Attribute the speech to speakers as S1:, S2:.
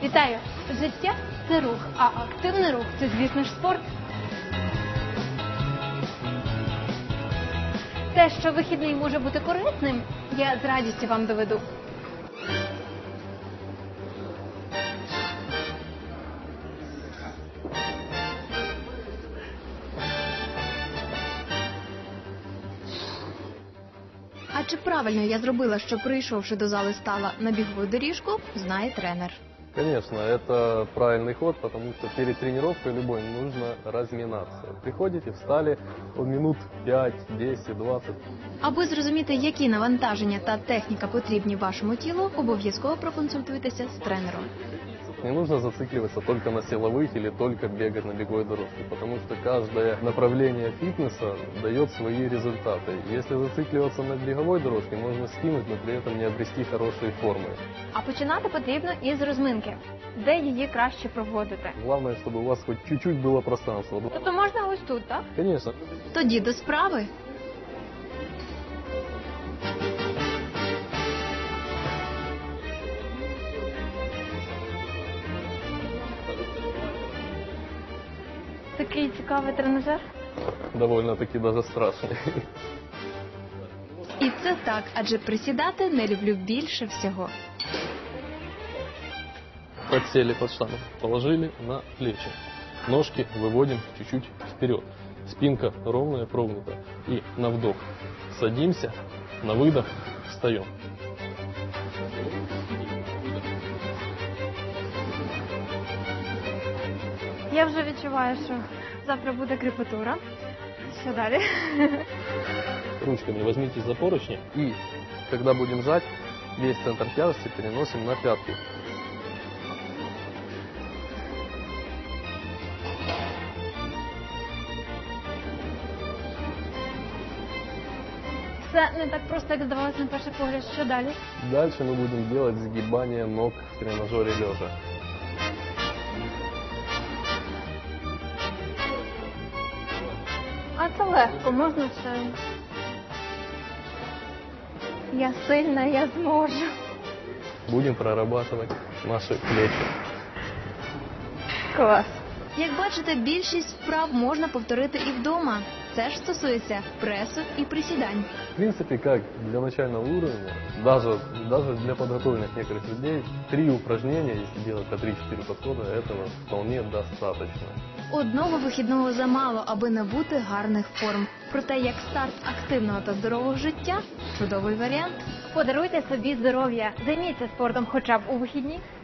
S1: Вітаю! Життя – це рух, а активний рух – це, звісно ж, спорт. Те, що вихідний може бути корисним, я з радістю вам доведу.
S2: А чи правильно я зробила, що прийшовши до зали стала на бігову доріжку, знає тренер.
S3: Конечно, это правильный ход, потому что перед тренировкой любой нужно разминаться. Приходите, встали минут 5, 10, 20.
S2: Аби зрозуміти, які навантаження та техніка потрібні вашому тілу, обов'язково проконсультуйтеся з тренером.
S3: Не нужно зацикливаться только на силовых или только бегать на беговой дорожке, потому что каждое направление фитнеса дает свои результаты. Если зацикливаться на беговой дорожке, можно скинуть, но при этом не обрести хорошие формы.
S1: А починати потрібно із розминки. Де її краще проводити?
S3: Главное, чтобы у вас хоть чуть-чуть было пространство.
S1: Тобто можна ось тут, так?
S3: Конечно.
S2: Тоді до справи.
S1: Такий цікавий тренажер.
S3: Довольно-таки даже страшный.
S2: І це так, адже присідати не люблю більше всього.
S3: Подсели под штангу, положили на плечи. Ножки выводим чуть-чуть вперед. Спинка ровная, прогнута. И на вдох садимся, на выдох встаем.
S1: Я вже відчуваю, що завтра буде крепатура. Що далі?
S3: Ручками возьмите за поручни и, когда будем жать, весь центр тяжести переносим на пятки.
S1: Все не так просто, як здавалося на перший погляд. Що далі?
S3: Дальше мы будем делать сгибание ног в тренажере лежа.
S1: А це легко, можна все. Я сильна, я зможу.
S3: Будем прорабатывать наши плечи.
S1: Клас.
S2: Як бачите, більшість вправ можна повторити і вдома. Це ж стосується пресу і присідань.
S3: В принципе, как для начального уровня, даже для подготовленных некоторых людей, 3 упражнения, если делать по 3-4 подхода, этого вполне достаточно.
S2: Одного вихідного замало, аби набути гарних форм. Проте, як старт активного та здорового життя – чудовий варіант.
S1: Подаруйте собі здоров'я. Займіться спортом хоча б у вихідні.